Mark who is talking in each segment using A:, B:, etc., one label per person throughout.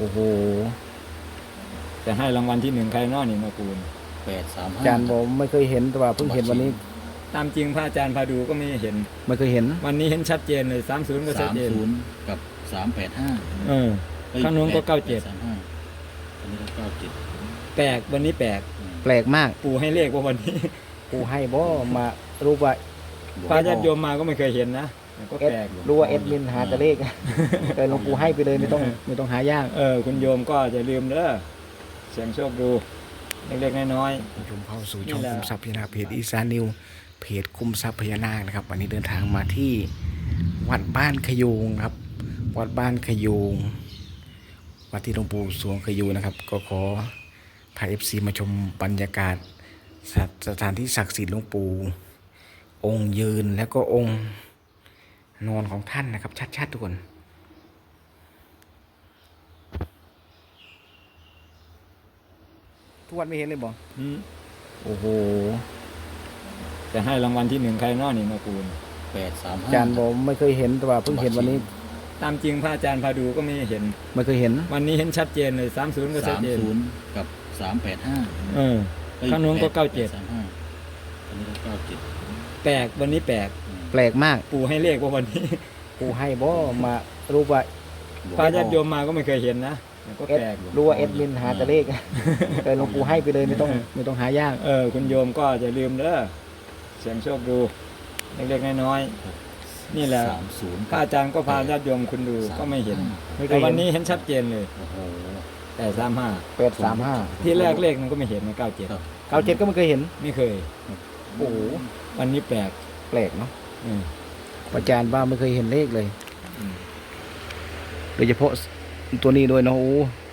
A: อ้โหจะให้รางวัลที่1ใครน้อนี่มาคูณ
B: 835
C: อาจารย์บอกไม่เคยเห็นแต่ว่าเพิ่งเห็นวันนี้
A: ตามจริงพระอาจารย์พาดูก็ไม่เห็น
C: ไม่เคยเห็น
A: วันนี้เห็นชัดเจนเลย30ก็ชัดเจน
B: 30กับ385
A: เออข้างโน้นก็97
B: อันนี้ก็97
A: แปลกวันนี้แปลก
C: แปลกมาก
A: ปู่ให้เลขว่าวันนี้
C: กูให้บ่มารู้ว่า
A: พระญาติโยมมาก็ไม่เคยเห็นนะก็
C: เอ็ด
A: แปลก
C: รู้ว่าเอ็ดมินหาแต่เลขแต่หลวงปู่ให้ไปเลยไม่ต้องหายาก
A: คุณโยมก็อย่าลืมเด้อเสียงโชคดูเล็กๆน้อย
C: ชมเข้าสู่ช่องคุมทรัพย์พญานาคเพจอีสานนิวเพจคุมทรัพย์พญานาคนะครับวันนี้เดินทางมาที่วัดบ้านขยูงครับวัดบ้านขยูงวัดที่หลวงปู่สวงขยูงนะครับก็ขอพาFCมาชมบรรยากาศสถานที่ศักดิ์สิทธิ์หลวงปู่องค์ยืนแล้วก็องค์นอนของท่านนะครับชัดๆทุกคนทุกวันไม่เห็นเลยบ่
A: ๆโอ้โหจะให้รางวัลที่1ใครน้อนี่มาคูณ
B: 835
C: อาจารย์บอกไม่เคยเห็นแต่ว่าเพิ่งเห็นวันนี้
A: ตามจริงพระอาจารย์พาดูก็ไม่เห็น
C: ไม่เคยเห็น
A: วันนี้เห็นชัดเจนเลย30ก็ชัดเจน
B: 30กับ385
A: ข้างโน้นก็97
B: อันนี้ก็97
A: แปลกวันนี้แปลก
C: แปลกมาก
A: ปู่ให้เลขว่าวันนี้
C: กูให้บ่มารู้ว่า
A: พระญาติโยมมาก็ไม่เคยเห็นนะก็
C: เอ็ด
A: แปลก
C: รู้ว่าเอ็ดมินหาแต่เลขแต่หลวงปู่ให้ไปเลยไม่ต้องหายาก
A: คุณโยมก็อย่าลืมเด้อเสียงโชคดูเล็กๆน้อยๆนี่แหละ
B: 30
A: พระอาจารย์ก็พาญาติโยมคุณดูก็ไม่เห็น
C: ไม่เค
A: แต่
C: ย
A: วัน
C: เห็น
A: นี้เห็นชัดเจนเลย
B: โอ้โห
A: แต่
C: 835
A: ที่แรกเลขมันก็ไม่เห็นนะ
B: ครับ
C: 97ก็ไม่เคยเห็น
A: ไม่เคย
C: โอ้โห
A: วันนี้แปลก
C: แปลกเนาะ
A: อืม
C: อาจารย์ว่าไม่เคยเห็นเลขเลย
A: อืม
C: โดยเฉพาะตัวนี้ด้วยเนาะโอ้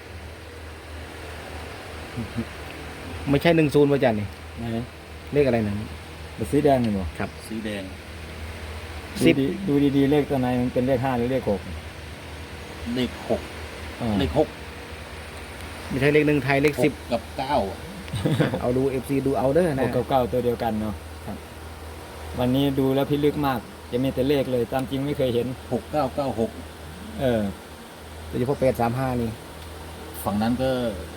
C: ไม่ใช่10อาจารย์นี่
A: ไหน
C: เลขอะไรนะ
A: เป็นสีแดงนี่บ่
C: ครับ
B: สีแดง
A: ดูดีๆเลขตัวไหนมันเป็นเลข5หรือเลข6
B: เลข
A: อ่า
B: 6เลข
C: ไม่ใช่เลข1ไทยเลข
B: 6กับ9
C: 10เอาดู FC ดูเอาเด้อ
A: ห
C: นะ
A: กกับเก้าตัวเดียวกันเนาะครับ วันนี้ดูแล้วพิลึกมากจะมีแต่เลขเลยตามจริงไม่เคยเห็น
B: 6996
A: เออ
C: โดยเฉพาะ835นี่
B: ฝั่งนั้นก็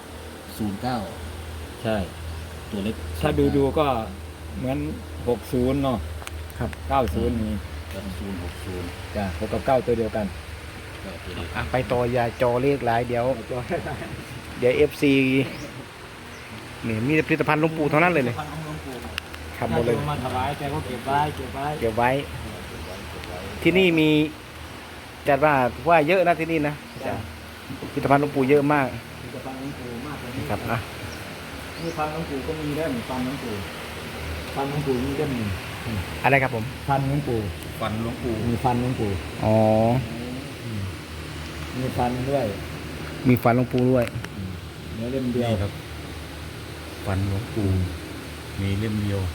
B: 09
A: ใช่
B: ตัวเล็ก
A: ถ้าดูก็เหมือน60เนาะ
C: ครับ
A: 90นี่
B: 060
A: จ้ะ6กับ9ตัวเดียวกัน
B: ก็ตัวเล็ก
C: อ่ะไปต่ออย่าจอเลขหลายเดี๋ยว FC นี่มีแต่ผลิตภัณฑ์หลวงปู่เท่านั้นเลยครับหมดเลย
A: มาถวายแกก็เก็บไว้
C: เก็บไว้ ที่นี่มีจัดว่าเยอะนะที่นี่นะผลิตภัณฑ์หลวงปู่เยอะมาก
A: จะฟังหลวงปู่มากกว่านี้
C: ครับอ่ะ
A: นี่ฟังหลวงปู่ก็มีได้เหมือนฟังหลวงปู่ฟังหลวงปู่มีได้หนึ่ง
C: อะไรครับผม
A: ฟันหลวงปู่
B: ฟันหลวงปู่
A: มีฟันหลวงปู่
C: อ๋อ
A: มีฟันด้วย
C: มีฟันหลวงปู่ด้วย
A: เนื้อเล่มเดียว
B: นี่ครับฟันหลวงปู่มีเล่มเดียว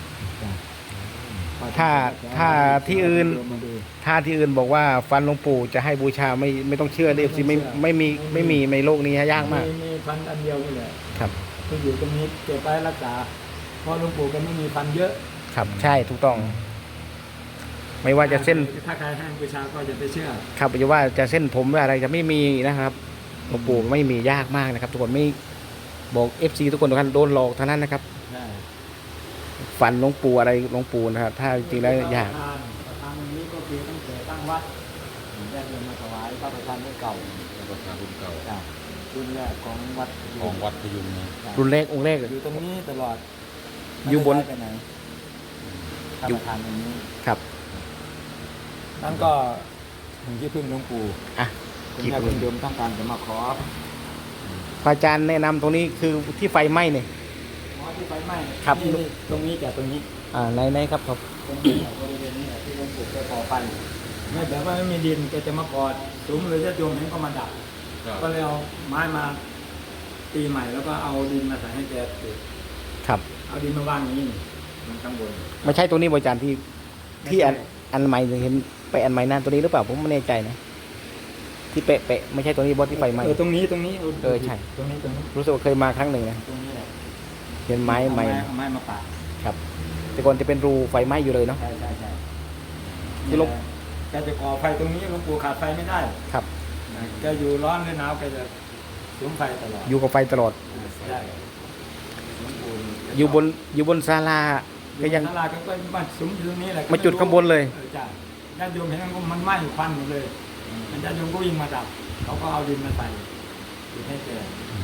C: ถ้าที่อื่น
A: มาดู
C: ถ้าที่อื่นบอกว่าฟันหลวงปู่จะให้บูชาไม่ต้องเชื่อเลยสิไม่มีในโลกนี้ยากมาก
A: มีฟันอันเดียวนี่แหละ
C: ครับ
A: ที่อยู่ตรงนี้เก็บไว้รักษาเพราะหลวงปู่ก็ไม่มีฟันเยอะ
C: ครับใช่ถูกต้อง ไม่ว่าจะเส้น
A: ถ้าใครให้บูชาก็จะไปเชื่อ
C: ครับจะว่าจะเส้นผมหรืออะไรจะไม่มีนะครับหลวงปู่ไม่มียากมากนะครับทุกคนไม่บอก FC ทุกคนทุกท่านโดนหลอกเท่านั้นนะครับ
A: ใช่
C: ฝันหลวงปู่อะไรหลวงปู่นะครับถ้าจริงแล้วยาก
A: ประธานวันนี้ก็คือตั้งแต่ตั้งวัดญาติโยมมาถวายพระประธานรุ่นเก่า
B: ประธานรุ่นเก่า
A: จ้ะรุ่นแรกของวัด
B: ของวัดพยุงนะ
A: จ้ะ
C: รุ่นแรกองค์แรก
A: อยู่ตรงนี้ตลอด
C: อยู่บน
A: ไม่ได้ไปไหนพระ
C: อยู่
A: ประธานตรงนี้
C: ครับ
A: นั่นก็ถึงที่พึ่งหลวงปู่
C: อ่ะ
A: คุณแม่คุณโยมต้องการจะมาขอ
C: พระอาจารย์แนะนำตรงนี้คือที่ไฟไหม้เนี่ย
A: ขอที่ไฟไหม้
C: ครับ
A: นี่ตรงนี้จากตรงนี้
C: ในครับครับ
A: ตรงนี้บริเวณนี้แหละที่หลวงปู่แกก่อไฟไม่แบบว่าไม่มีดินแกจะมากอดสูงเลยญาติโยมเห็นก็มาดับ ก็เลยเอาไม้มาตีใหม่แล้วก็เอาดินมาใส่ให้แกปลูก
C: ครับ
A: เอาดินมาวางอย่างนี้นี่มันข้างบน
C: ไม่ใช่ตัวนี้บริจารย์ที่
A: ไม่ใช่
C: อันใหม่เห็นไปอันใหม่นั่นตัวนี้หรือเปล่าผมไม่แน่ใจนะที่เป๊ะไม่ใช่ตัวนี้บอสที่ไฟไหม้
A: ตรงนี้
C: ใช่
A: ตรงนี้
C: รู้สึกว่าเคยมาครั้งหนึ่งนะ
A: ตรงนี้แหละ
C: เห็นไม้ใหม่
A: เอาไม้มาปาด
C: ครับ แต่ก่อนจะเป็นรูไฟไหม้อยู่เลยเนาะ
A: ใช่
C: คือหลวง
A: แกจะก่อไฟตรงนี้หลวงปู่ขาดไฟไม่ได้
C: ครับ
A: แกอยู่ร้อนหรือหนาวแกจะสูงไฟตลอด
C: อยู่กับไฟตลอด
A: ใช่หลวงปู่
C: อยู่บนศาลาก็ยัง
A: ศาลาก็มาสุมอยู่ตรงนี้แหละ
C: มาจุดข้างบนเลย
A: จ้ะญาติโยมเห็นมันไหม้ควันหมดเลยญาติโยมก็วิ่งมาดับเขาก็เอาดินมาใส่จุดให้แก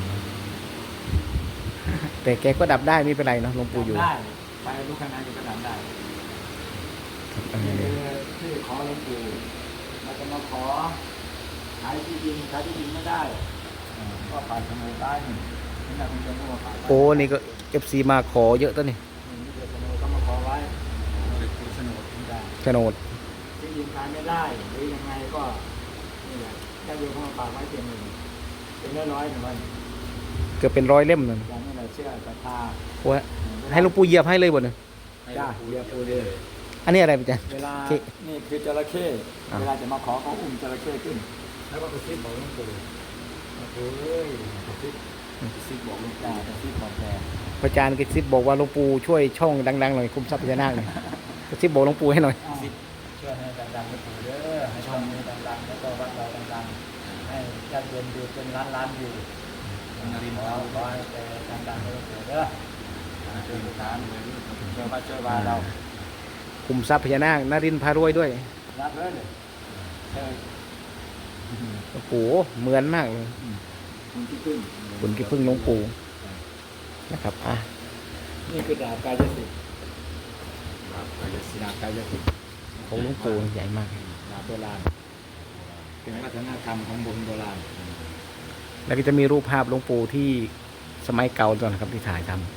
C: แต่แกก็ดับได้ไม่เป็นไรเนาะหลวงปู่อยู่
A: ได้ไฟลุกขนาดนี้ก็ดับได้นี่คือที่ขอหลวงปู่เราจะมาขอขายที่ดินไม่ได้ก็ผ่านสมุนไพรนี่นี่นะคุณจะพูดว่าผ่าน
C: โอ้นี่ก็FC มาขอเยอะตัวนี่
A: นี่เดี๋ยวสมุนก็มาขอไว้คือสนุนไม่ได้
C: โฉนด
A: ที่ดินขายไม่ได้หรือยังไงก็นี่แหละได้โยมเข้ามาฝากไว้เป็นหนึ่งเป็นร้อยๆหนึ่งวัน
C: เกือบเป็น100 เล่มนั่น
A: อย่างนี้แหละเชื่อศรัทธา
C: โอ้ยให้หลวงปู่เหยียบให้เลยบ่เนี่ย
A: จ้าเรียบปูเลย
C: อันนี้อะไรอาจารย์
A: เวลา
C: โอเค
A: นี่คือจระเข้
C: อ่า
A: เวลาจะมาขอเขาอุ้มจระเข้ขึ้น แล้วก็กระซิบบอกหลวงปู่เฮ้ยกระซิบบอกหลวงตากระซิบบอกแก
C: พระอาจารย์กระซิบบอกว่าหลวงปู่ช่วยช่องดังๆหน่อยคุมทรัพย์พญานาคหน่อยกระซิบบอกหลวงปู่ให้หน่อย
A: ช่วยให้ดังๆหลวงปู่เด้อให้ช่องนี้ดังๆแล้วก็วัดเราดังๆให้ญาติโยมอยู่เป็นล้านๆอยู่ขอให้แกดังๆให้หลวงปู่เด้อช่วยตามช่วยวัดช่วยวาเรา
C: คุมทรัพย์พญานาคนรินทร์พารวยด้วย
A: รับเลยเออ
C: โอ้โหเหมือนมากเลย
A: คุณที่พึ่ง
C: คุณกี่พึ่งหลวงปู่นะครับอ่ะ
A: นี่คือดาบกายสิทธิ์ดาบกายสิทธิ์
C: ของหลวงปู่ใหญ่มาก
A: ดาบโบราณเป็นวัฒนธรรมของโบราณ
C: แล้วก็จะมีรูปภาพหลวงปู่ที่สมัยเก่าตอนนะครับที่ถ่ายทำ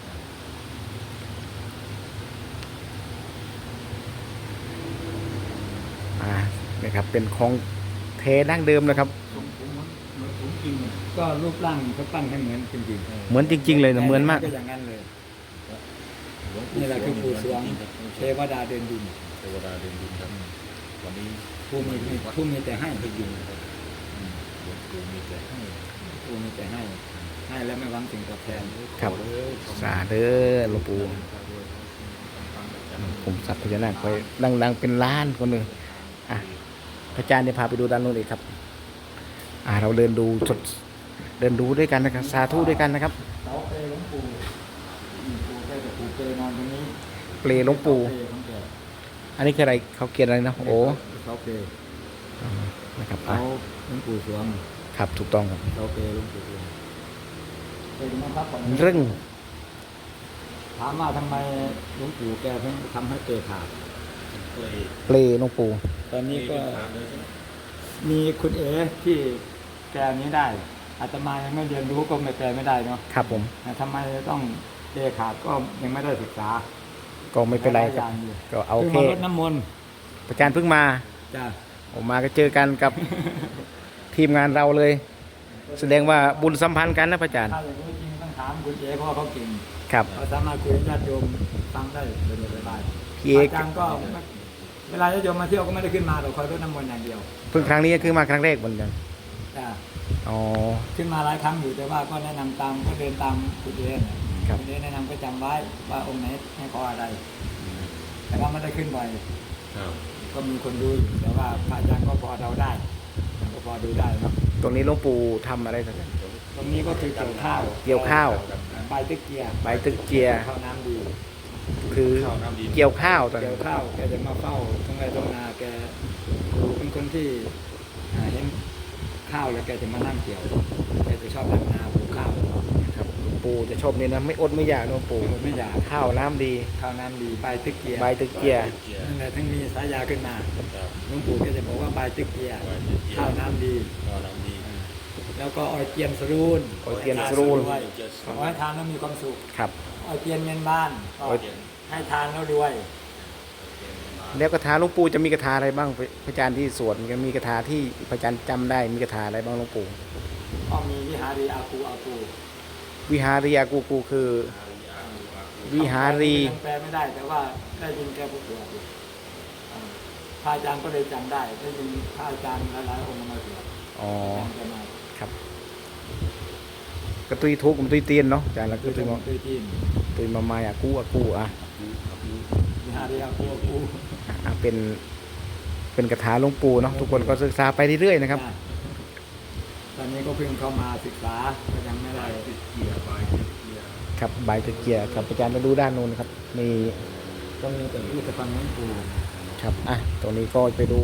C: นะครับเป็นของเทดั้งเดิมนะครับ
A: ผมจริงก็รูปร่างเขาปั้นให้เหมือนจริงๆ
C: เหมือนจริงๆเลยนะเหมือนมาก
A: ก็อย่างนั้นเลยนี่แหละคือปู่สวงเทวดาเดินดิน
B: เทวดาเดินดินครับวันนี้
A: ผู้มีแต่ให้ไปอยู่
B: หลวงปู่มีแต่ให้
A: ผู้มีแต่ให้แล้วไม่หวังสิ่งตอบแทน
C: ครับสาเด้อหลวงปู่ผมสัพพญานาคคอยดังๆเป็นล้านคนหนึ่งอ่ะพระอาจารย์เนี่ยพาไปดูด้านโน้นอีกครับเราเดินดูด้วยกันนะครับสาธุด้วยกันนะครับ
A: เสาเปรหลวงปู่ปู่แกจะปู่เปรนอนตรงนี้
C: เปลหลวงปู่
A: เปรของแก
C: อันนี้คืออะไรเขาเขียนอะไรนะโอ้
A: เสาเปร
C: นะครับ
A: เสาหลวงปู่สวง
C: ครับถูกต้องครับ
A: เสาเปรหลวงปู่สวงเป็นนะครับผม
C: เรื่อง
A: ถามว่าทำไมหลวงปู่แกเพิ่งทำให้เปรขาด
B: เลย
C: เปลหลวงปู่
A: ตอนนี้ก็มีคุณเอ๋ที่แปลนี้ได้อาตมายังไม่เรียนรู้ก็ไม่แปลไม่ได้เนาะ
C: ครับผม
A: แต่ทำไมต้องเปรขาดก็ยังไม่ได้ศึกษา
C: ก็ไม่เป็นไรครับ
A: หลายอย่างอยู่
C: ก็เอา
A: พิ่ง
C: แค่
A: มารดน้ำมนต์
C: พระอาจารย์เพิ่งมา
A: จ้ะ
C: ออกมาก็เจอกันกับ ทีมงานเราเลย แสดงว่าบุญสัมพันธ์กันนะพระอาจารย์
A: ถ้าอย่างนี้จริงต้องถามคุณเอ๋เพราะว่าเขาเก่ง
C: ครับ
A: เขาสามารถคุยกับญาติโยมฟังได้เลยสบาย
C: พี่เอก
A: อาจารย์ก็เวลาญาติโยมมาเที่ยวก็ไม่ได้ขึ้นมาเราคอยรดน้ำมนต์อย่างเดียว
C: เพิ่งครั้งนี้ก็คือมาครั้งแรกเหมือนกัน
A: จ้ะ
C: อ๋อ
A: ขึ้นมาหลายครั้งอยู่แต่ว่าก็แนะนำตามก็เดินตามคุณเอ๋น่ะ
C: ครับ
A: คุณเอ๋แนะนำก็จำไว้ว่าองค์ไหนให้ขออะไร แต่ว่าไม่ได้ขึ้นบ่อย
B: ครับ
A: ก็มีคนดูอยู่แต่ว่าพระอาจารย์ก็พอเดาได้ก็พอดูได้ครับ
C: ตรงนี้หลวงปู่ทำอะไรสักอย่าง
A: ตรงนี้ก็คือเกี่ยวข้าว
C: เกี่ยวข้าว
A: ใบตะเกีย
C: ใบตึกเจีย
A: ข้าวน้ำดี
C: คือเกี่ยวข้าวตอน
A: เกี่
C: นี้
A: ยวข้าวแกจะมาเฝ้าทั้งไร่ทั้งนาแกเป็นคนที่เห็นข้าวแล้วแกจะมานั่งเกี่ยวแกจะชอบทำนาปลูกข้าว
C: ครับหลวงปู่จะชอบนี่นะไม่อดไม่อยากนะหลวงปู่
A: ไม่อยาก
C: ข้าวน้ำดี
A: ข้าวน้ำดีใบตะเกีย
C: ใบตึกเจีย
A: นั่นแหละถึงมีสายาขึ้นมา
B: ครับ
A: หลวงปู่ก็จะบอกว่าใบตะเกียข้าวน้ำดี
B: ก็น้ำดี
A: แล้วก็ออยเจียนสรูน
C: ออยเจียนสรูน
A: ด้วยขอให้ทานแล้วมีความสุข
C: ครับ
A: ออยเจียนเงินบ้านก็
C: ออย
A: ให้ทานแล้วรวย
C: แล้วคาถาหลวงปู่จะมีคาถาอะไรบ้างพระอาจารย์ที่สวดมันมีคาถาที่พระอาจารย์จำได้มีคาถาอะไรบ้างหลวงปู่
A: ก็มีวิหารีอากูอากู
C: วิหารียากูกูคือ วิหารี
A: ยังแปลไม่ได้แต่ว่าได้ยินแกพูดอยู่พระอาจารย์ก็เลยจำได้ได้ยินพระอาจารย์หลายๆองค์มาสวด
C: อ๋อ
A: จำแกมา
C: ครับกระตุยทุกข์มันตุยเตียนเนาะอาจารย์แล้วก็
A: คือ
C: ตุยมา
A: เคยจีน
C: ตุยมามาอากูอ่ะ
A: วิหารีอากูอากู
C: เป็นคาถาหลวงปู่เนาะทุกคนก็ศึกษาไปเรื่อยๆนะครับ
A: ตอนอนนี้ก็เพิ่งเข้ามาศึกษาก็ยังไม่ได้
C: ครับใบตะเกียครับอาจารย์มาดูด้านนู้นครับมี
A: ก็มีแต่พิพิธภัณฑ์หลวงปู่
C: ครับตรงนี้ก็ไปดู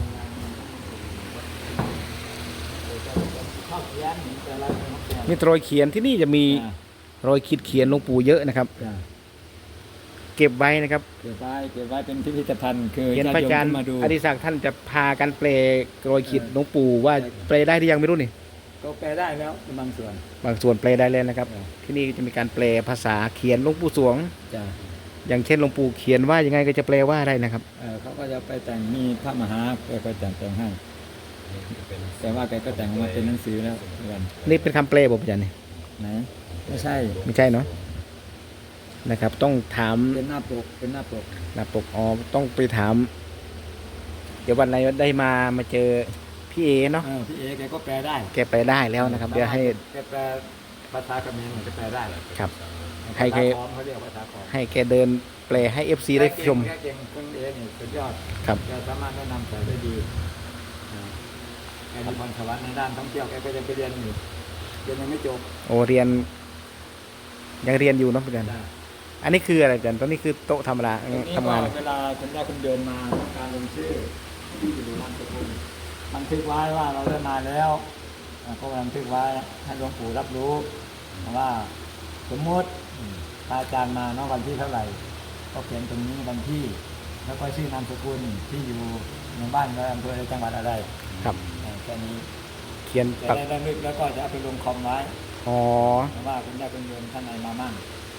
A: ข้าวเขียนแต่ละข้าวเขียน
C: มีรอยเขียนที่นี่จะมีรอยขีดเขียนหลวงปู่เยอะนะครับ
A: จ้ะ
C: เก็บไว้นะครับ
A: เก็บไว้เป็นพิพิธภัณฑ์คือ
C: เห็นพระอาจารย์
A: มาดู
C: อดิศักดิ์ท่านจะพากันแปลรอยขีดหลวงปู่ว่าแปลได้หรือยังไม่รู้นี่
A: ก็แปลได้แล้วเป็นบางส่วน
C: บางส่วนแปลได้แล้วนะครับ
A: จ้ะ
C: ที่นี่จะมีการแปลภาษาเขียนหลวงปู่สวง
A: จ้ะ
C: อย่างเช่นหลวงปู่เขียนว่ายังไงก็จะแปลว่าได้นะครับ
A: เขาก็จะไปแต่งมีพระมหาแกก็แต่งให้แต่ว่าแกก็แต่งออกมาเป็นหนังสือแล้วเหมือนกัน
C: นี่เป็นคำแปลบอกอาจารย์นี่
A: ไหนไม่ใช่
C: ไม่ใช่เนาะนะครับ ต้องถาม
A: เป็นหน้าปกเป็นหน้าปก
C: หน้าปกต้องไปถาม เดี๋ยววันไหนได้มาเจอพี่เอเนาะ
A: พี่เอแกก็แปลได้
C: แกไปได้แล้วนะครับเดี๋ยวให้
A: แกแปลภาษาเขมรแกแปลได้
C: ครับ
A: ให้
C: ให้
A: แก
C: แก
A: เขาเรียกภาษาขอม
C: ให้แกเดินแปลให้ FC ได้ชม
A: แกเก่งคนเอนี่สุดยอด
C: ครับ
A: แกสามารถแนะนำสอนได้ดีแกมีพรสวรรค์ในด้านท่องเที่ยวแกก็จะไปเรียนอยู่เรียนยังไม่จบ
C: โอเรียนยังเรียนอยู่เนาะอาจารย์อันนี้คืออะไรอาจารย์ตอนนี้คือโต๊ะธรรมดา
A: ตรงนี้
C: ทำงาน
A: ก็เวลาคุณได้คุณเดินมาต้องการลงชื่อที่อยู่นามสกุลบันทึกไว้ว่าเราได้มาแล้วก็บันทึกไว้ให้หลวงปู่รับรู้ว่าสมมติพระอาจารย์มาเนาะวันที่เท่าไหร่ก็เขียนตรงนี้วันที่ แล้วก็ชื่อนามสกุลที่อยู่ในบ้านและอำเภอในจังหวัดอะไร
C: ครับ
A: แค่นี้
C: เขียน
A: จะ
C: ปัก
A: ได้ระลึกแล้วก็จะเอาไปลงคอมไว้
C: อ๋อ
A: ว่าคุณได้คุณโยมท่านไหนมามั่ง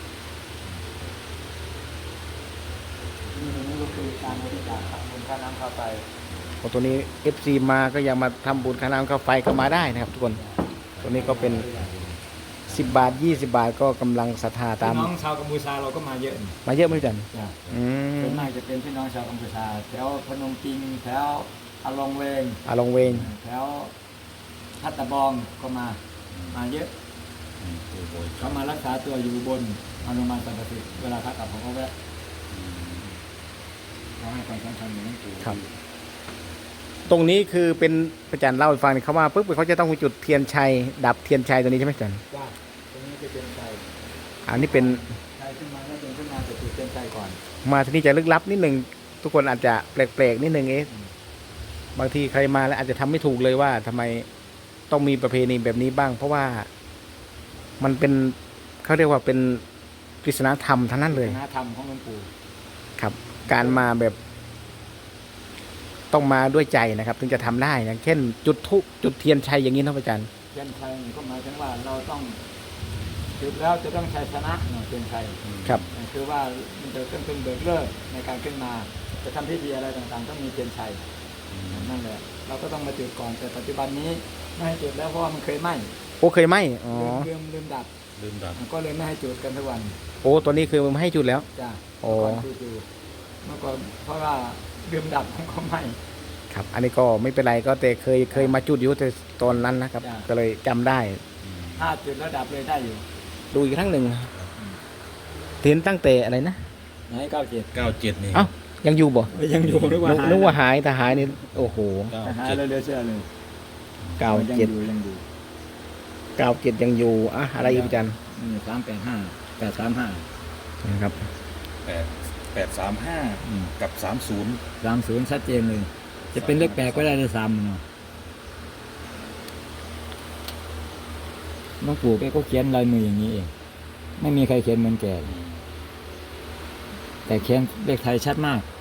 A: นี่ก็คือการบริจาคบุญค่าน้ำค่าไฟ
C: ตัวนี้ FC มาก็ยังมาทำบุญค่าน้ำค่าไฟก็มาได้นะครับทุกคนตัวนี้ก็เป็น10 บาท 20 บาทก็กำลังศรัทธาตาม
A: พี่น้องชาวกัมพูชาเราก็มาเยอะ
C: มาเยอะไหมอาจารย์
A: จ้ะ
C: อืม
A: ส่วนมากจะเป็นพี่น้องชาวกัมพูชาแถวพนมปิงแถวอาลองเวง
C: ลงเวง
A: แถวพัตตะบองก็มาเยอะเขามารักษาตัวอยู่บนโรงพยาบาลสันติสุขเวลาพักกลับเขาก็แวะเขาให้ความสำคัญอย่างนั้นปู่
C: ครับ ตรงนี้คือเป็นอาจารย์เล่าให้ฟังนี่เขามาปุ๊บเขาจะต้องจุดเทียนชัยดับเทียนชัยตัวนี้ใช่ไหมอาจารย์
A: ว่าตรงนี้จะเป็นใจ
C: อันนี้เป็น
A: ใจขึ้นมาแล้วเป็นขึ้นมาจะจุดเป็นใจก่อน
C: มาที่นี่จะลึกลับนิดหนึ่งทุกคนอาจจะแปลกๆนิดหนึ่งบางทีใครมาแล้วอาจจะทำไม่ถูกเลยว่าทำไมต้องมีประเพณีแบบนี้บ้าง เพราะว่ามันเป็นเขาเรียกว่าเป็นปริศนาธรรมทั้งนั้นเลย
A: คณะธรรมของหลวงปู่
C: ครับ การมาแบบต้องมาด้วยใจนะครับ ถึงจะทำได้อย่างเช่น จุดธูปจุดเทียนชัยอย่างนี้นะอาจารย์
A: เทียนชัยนี่ก็หมายถึงว่าเราต้องจุดแล้วจะต้องชัยชนะเนาะเทียนชัย
C: ครับ
A: คือว่ามันจะเป็นเบิกเลิกในการขึ้นมาจะทำพิธีอะไรต่างๆ ต้องมีเทียนชัยนั่นแหละเราก็ต้องมาจุดก่อนแต่ปัจจุบันนี้ไม่ให้จุดแล้วเพราะว่ามันเคยไหม้
C: โอ้เคยไหมอ๋อ
A: ลืมดับ
B: ลืมดับ
A: ก็เลยไม่ให้จุดกันทุกวัน
C: โอ้ตัวนี้คือมันไม่ให้จุดแล้ว
A: จ้ะ
C: โอ้
A: เมื่อก่อนคือจุดเมื่อก่อนเพราะว่าลืมดับมันก็ไหม้
C: ครับ อันนี้ก็ไม่เป็นไรก็แต่เคยมาจุดอยู่แต่ตอนนั้นนะครับ
A: จ้ะ
C: ก็เลยจำได้
A: ถ้าจุดแล้วดับเลยได้อยู่
C: ดูอีกครั้งหนึ่งเห็นตั้งแต่อะไรนะ
A: ไหน97
B: 97นี่
C: เอ้ายังอยู่บ่
A: ยังอยู่นึกว่า
C: นึกว่าหายแต่หายนี่โอ้โห
A: หายเลยเชื่อเลย
C: เก้า
A: ยัง
C: เจ็ด
A: อยู่ยังอยู่
C: 97ยังอยู่อะอะไรอีกอาจารย์
A: 385 835
C: นะครับ
B: 835กับ30
A: 30ชัดเจนเลยจะเป็นเลข8ก็ได้เลย3เนาะหลวงปู่แกก็เขียนลายมืออย่างนี้เองไม่มีใครเขียนเหมือนแกแต่เขียนเลขไทยชัดมาก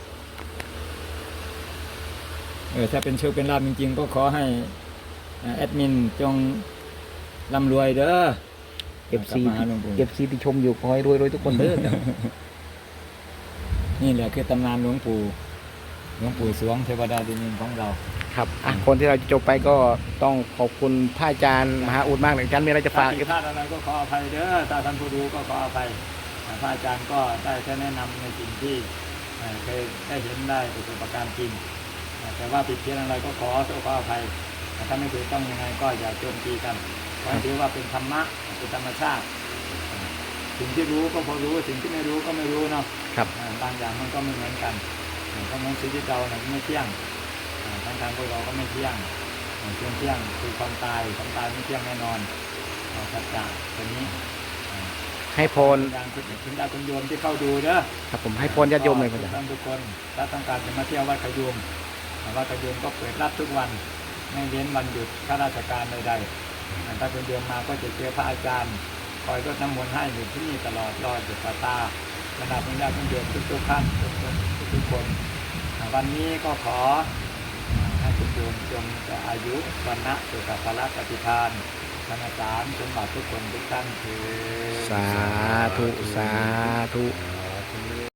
A: ถ้าเป็นโชคเป็นลาภจริงๆก็ขอให้แอดมินจงร่ำรวยเด้อ
C: FC
A: กลับมาหาหลวงปู่
C: FC ที่ชมอยู่ขอให้รวยๆทุกคนเด้อ
A: นี่แหละคือตำนานหลวงปู่สวงเทวดาดินดินของเรา
C: ครับคนที่เราจะจบไปก็ต้องขอบคุณพระอาจารย์มหาอุดมากเลยอาจารย์มีอะไรจะฝาก
A: ถ้าผิดพลาดอะไรก็ขออภัยเด้อถ้าท่านผู้ดูก็ขออภัยพระอาจารย์ก็ได้แค่แนะนำในสิ่งที่เคยได้เห็นได้ประสบการณ์จริงแต่ว่าผิดเพี้ยนอะไรก็ขออภัยถ้าไม่ถูกต้องยังไงก็อย่าโจมตีกันขอถือว่าเป็นธรรมะเป็นธรรมชาติสิ่งที่รู้ก็พอรู้สิ่งที่ไม่รู้ก็ไม่รู้เนาะ
C: ครับ
A: บางอย่างมันก็ไม่เหมือนกันเพราะงั้นชีวิตเราเนี่ยไม่เที่ยงทางพวกเราก็ไม่เที่ยงเที่ยงคือความตายไม่เที่ยงแน่นอนสัจจะตัวนี้
C: ให้พร
A: อย่างคุณญาติโยมที่เข้าดูเด้อ
C: ครับผมให้พรญาติโยมเลยพระอาจารย์
A: ทุกคนถ้าต้องการจะมาเที่ยววัดขยุมวัดขยุมก็เปิดรับทุกวันไม่เว้นวันหยุดข้าราชการใดๆถ้าเป็นเดือนมาก็จะเจอพระอาจารย์คอยรดน้ำมนต์ให้อยู่ที่นี่ตลอดรอจุดตาขณะคุณญาติโยมทุกท่านทุกคนวันนี้ก็ขอให้คุณโยมจงจะอายุวันนะสุขภาระปฏิภาณธนสารสมบัติทุกคนทุกท่านเถิด
C: สาธุ สาธุ
A: ส